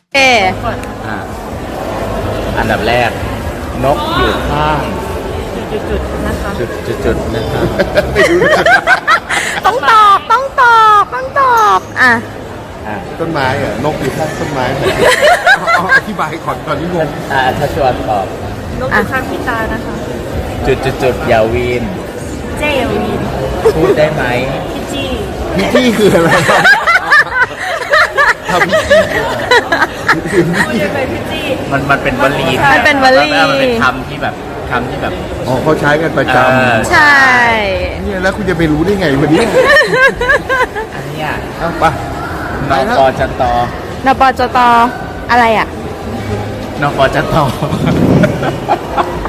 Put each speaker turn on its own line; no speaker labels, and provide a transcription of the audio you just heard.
เอ
อ่ะอันดับแรก นกอยู่ข้าง
จุดๆนะคะ
จุดๆนะครับ
ต้องตอบต้องตอบต้องตอบอ่ะ
อ่ะ
ต้นไม้อะนกอยู่ข้างต้นไม้เอาอธิบายก่อนที่งง
ถ้าชวนตอบ
นกอยู่ข้างพี่ตานะคะ
จุดอย่าวีน
เจลวิน
พูดได้ไหม
พี่จี้
พิธีคืออะไรทำพิธี
พูดยังไงพี่จี้
มันเป็นวลี
มันเป็นวลี
มันเป็นคำที่แบบ
อ๋อเขาใช้กันประจ
เออ
ใช่
ำเนี่ยแล้วคุณจะไปรู้ได้ไงวันนี้
อันเนี้ย
เอาไป
น
ไปแล้ว
ปจต
นปจตอะไรอ่ะ
นปจต